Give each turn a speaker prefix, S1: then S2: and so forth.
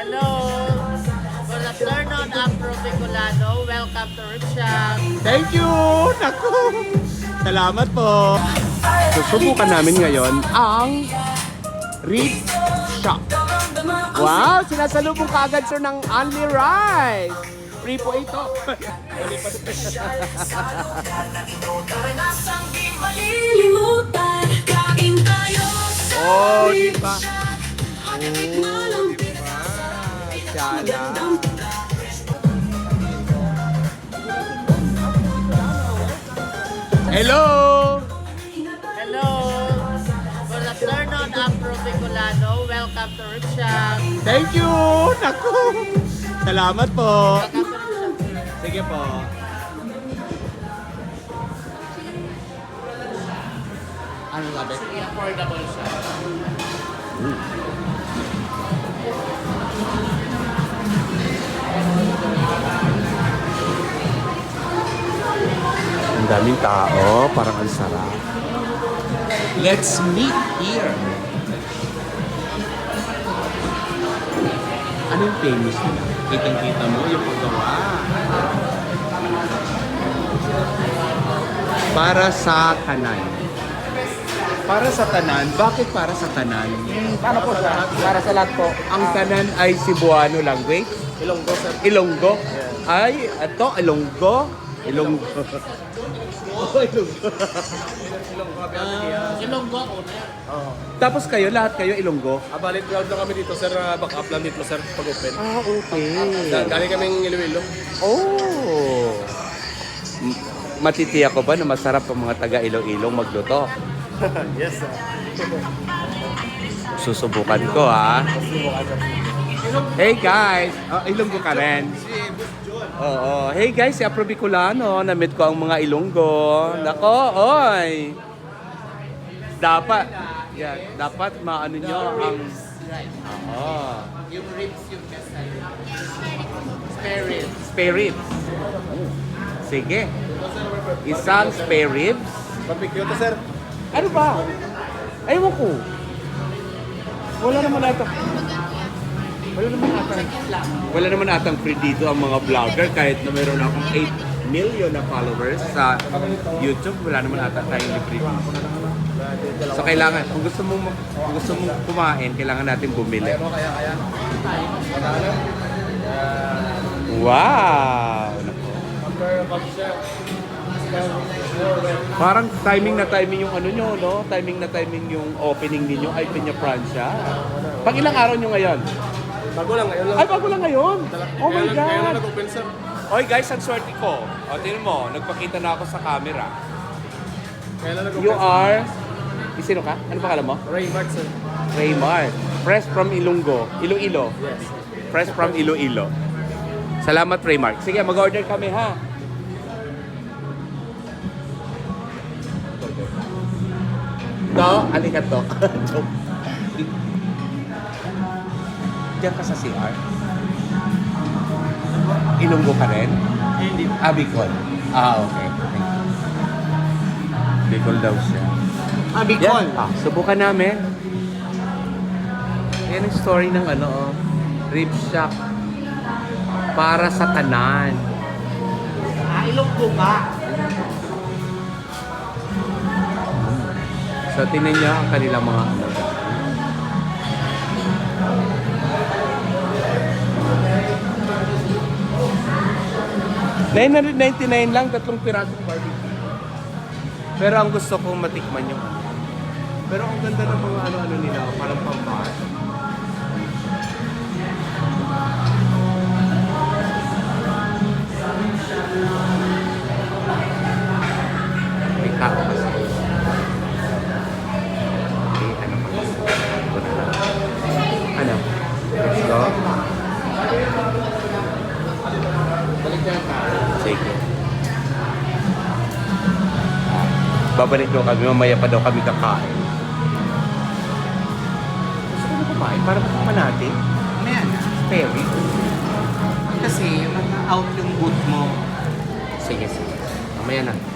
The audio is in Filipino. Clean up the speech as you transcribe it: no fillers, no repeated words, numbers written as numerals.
S1: Hello! Good afternoon, Afro Bicolano. Welcome to Ripshop.
S2: Thank you! Naku! Salamat po! Susubukan namin ngayon ang Rib Shop. Wow! Sinasalubong ka agad sir ng Only Rice! Free po ito! Oh, di ba? Oh, di ba? Sala. Hello!
S1: Hello! Good afternoon, Afro Bicolano. Welcome to Ripshop.
S2: Thank you! Naku! Salamat po!
S1: Welcome to Ripshop.
S2: Sige po. Ano sabi?
S1: Affordable siya.
S2: Ang daming tao, parang ang sarap. Let's meet here. Ano yung famous nila? Kitang-kita mo yung paggawa. Para sa tanan. Para sa tanan? Bakit para sa tanan?
S3: Paano po siya? Para sa lahat po.
S2: Ang tanan ay Cebuano language?
S3: Ilonggo, sir.
S2: Ilonggo? Ay, ito, Ilonggo? Ilonggo. Oh, Ilonggo.
S1: Ilonggo ako na.
S2: Tapos kayo, lahat kayo Ilonggo?
S3: Balik ground lang kami dito, sir. Back up lang dito, sir. Pag-open.
S2: Ah, okay.
S3: Galing kaming Iloilo.
S2: Oh! Matitiyak ko ba na masarap ang mga taga Iloilo magluto?
S3: Yes, sir.
S2: Susubukan ko ha. Hey guys! Oh, Ilonggo ka rin? Oo. Hey guys, si Afro Bicolano. Na-meet ko ang mga Ilonggo. Nako, oy! Dapat, dapat maano nyo ang... Oo.
S1: Yung ribs yung best spare ribs.
S2: Spare ribs. Sige. Isang spare ribs.
S3: Barbecue to, sir.
S2: Ano ba? Ewan ko. Wala naman atang free dito ang mga vlogger kahit na meron akong 8 million na followers sa YouTube. Wala naman ata tayong free dito. So kailangan, kung gusto mong kumain, kailangan natin bumili. Wow! Parang timing na timing yung ano nyo, no? Timing na timing yung opening ninyo ay Peña Francia. Pag ilang araw nyo ngayon?
S3: Bago lang, ngayon lang.
S2: Ay, bago lang ngayon! Oh my
S3: Ngayon lang
S2: God!
S3: nag-open, sir.
S2: Oy guys, ang swerte ko. O, tingnan mo, nagpakita na ako sa camera.
S3: Ngayon lang nag-open.
S2: You are... Sino ka? Ano pangalan mo?
S3: Raymart, sir.
S2: Raymar. Fresh from Ilonggo. Iloilo.
S3: Yes.
S2: Fresh from Iloilo. Salamat, Raymar. Sige, mag-order kami, ha? To, alikat to. Joke. Diyan ka sa CR? Ilonggo ka rin?
S3: Hindi.
S2: Bicol. Okay. Bicol daw siya.
S3: Bicol.
S2: Yan. Subukan namin. Yan ang story ng Rib Shop. Para sa tanan.
S1: Ilonggo ka.
S2: So, tingnan niyo ang kanilang mga $999 lang, 3 pirasong barbecue. Pero ang gusto kong matikman yung Pero ang ganda ng mga ano-ano nila, parang pambar. May tao kasi. Okay, ano pa? Ano? Let's go.
S3: Balik na yung tao.
S2: Sige. Babalik daw kami, mamaya pa daw kami kakain. Gusto ko na kumain para matikman natin.
S1: Ayan.
S2: Perry.
S1: Kasi out yung boot mo.
S2: Sige, sige. Mamaya na.